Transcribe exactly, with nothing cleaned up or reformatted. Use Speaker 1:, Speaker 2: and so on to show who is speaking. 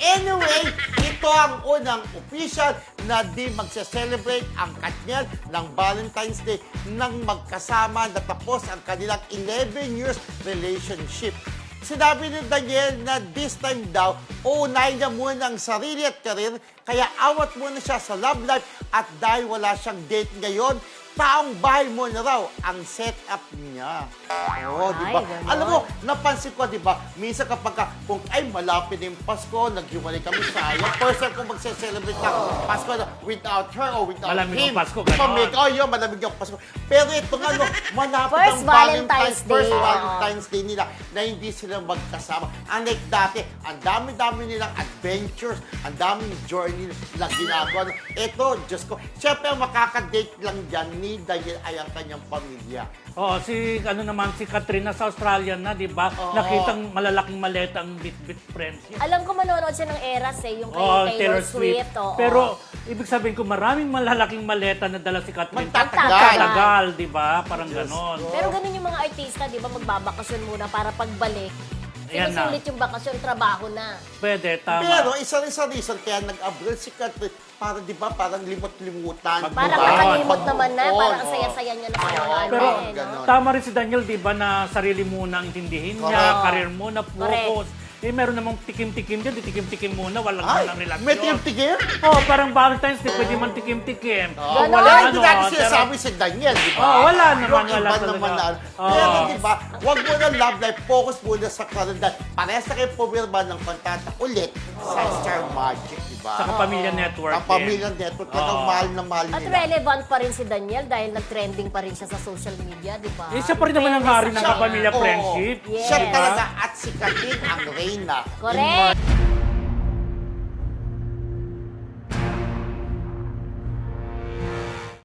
Speaker 1: Anyway, ito ang unang official na di magse-celebrate ang Katniel ng Valentine's Day nang magkasama natapos ang kanilang eleven years relationship. Sinabi ni Daniel na this time daw, uunahin niya muna ang sarili at karir, kaya awat muna siya sa love life at dahil wala siyang date ngayon, taong bahay mo na raw ang setup niya. Oo, di ba?
Speaker 2: Ay, ganon.
Speaker 1: Alam mo, napansin ko, di ba? Minsan kapag ka, kung ay malapit na yung Pasko, naghiwalay kami sayang. First time kung magse-celebrate na Pasko na without her or without
Speaker 3: Malamig
Speaker 1: him.
Speaker 3: ang Pasko, ganon.
Speaker 1: Pamig, oh, yun, malamig ang Pasko. Pero ito nga, no, malapit
Speaker 2: First
Speaker 1: ang
Speaker 2: Valentine's Day.
Speaker 1: First
Speaker 2: Oo.
Speaker 1: Valentine's Day nila na hindi sila magkasama. Unlike dati, ang dami-dami nilang adventures, ang daming journey na ginagawa. Ito, Diyos ko, siyempre ang makakadate lang dyan ni Daniel ay ang kanyang pamilya.
Speaker 3: Oo, si ano naman si Katrina sa Australia na, 'di ba?
Speaker 1: Oo.
Speaker 3: Nakitang malalaking maleta ang bit-bit friendship.
Speaker 2: Alam ko manonood siya ng Eras eh, yung kay
Speaker 3: Oo,
Speaker 2: Taylor, Swift. oo.
Speaker 3: Pero ibig sabihin ko maraming malalaking maleta na dala si Katrina.
Speaker 1: Magtatagal.
Speaker 3: Magtatagal, 'di ba? Parang
Speaker 1: Diyos
Speaker 3: ganon.
Speaker 1: ko.
Speaker 2: Pero ganun yung mga artista, di ba, magbabakasyon muna para pagbalik.
Speaker 3: Ayan na.
Speaker 2: Sinusulit yung bakasyon, trabaho na.
Speaker 3: Pwede, tama.
Speaker 1: Pero isa rin sa reason kaya nag-abroad si Catherine, para di ba, parang limot-limutan.
Speaker 2: Parang
Speaker 3: Mag-move on.
Speaker 2: nakalimot naman na,
Speaker 1: Move on,
Speaker 2: parang ang
Speaker 1: oo.
Speaker 2: saya-saya niya na sa mga ano
Speaker 3: Pero
Speaker 2: eh, no?
Speaker 1: ganon.
Speaker 3: tama rin si Daniel, 'di ba, na sarili muna ang intindihin niya,
Speaker 1: Correct.
Speaker 3: career muna, focus. Eh meron namang tikim-tikim diyan, di tikim-tikim muna, walang
Speaker 1: Ay,
Speaker 3: walang relasyon.
Speaker 1: may tigim-tigim?
Speaker 3: Oh, parang Valentine's Day, pwede man tikim-tikim.
Speaker 1: Oh,
Speaker 2: Ganon.
Speaker 1: wala,
Speaker 3: Walang
Speaker 1: hindi
Speaker 3: ano,
Speaker 1: natin
Speaker 3: pero-
Speaker 1: sinasabi si Daniel, di ba?
Speaker 3: Oh, wala naman,
Speaker 1: Yung
Speaker 3: wala
Speaker 1: iba
Speaker 3: talaga.
Speaker 1: naman na.
Speaker 3: Oh.
Speaker 1: Pero di ba, huwag mo na love life, focus muna sa karoon. Parehas na kayo pumirma ng kontata ulit sa Star Magic, di ba?
Speaker 3: Sa Pamilya Network.
Speaker 1: Ang
Speaker 3: din.
Speaker 1: Pamilya Network, talagang
Speaker 3: Oo.
Speaker 1: mahal na mahal
Speaker 2: At
Speaker 1: nila.
Speaker 2: relevant pa rin si Daniel dahil nag-trending pa rin siya sa social media, di ba?
Speaker 3: Eh, siya pa rin naman ang hari ng
Speaker 2: Siya-
Speaker 3: kapamilya
Speaker 1: Oo.
Speaker 3: friendship.
Speaker 2: Yes.
Speaker 1: Siya
Speaker 3: Diba?
Speaker 1: talaga at si Katrin ang reyna.
Speaker 2: Correct.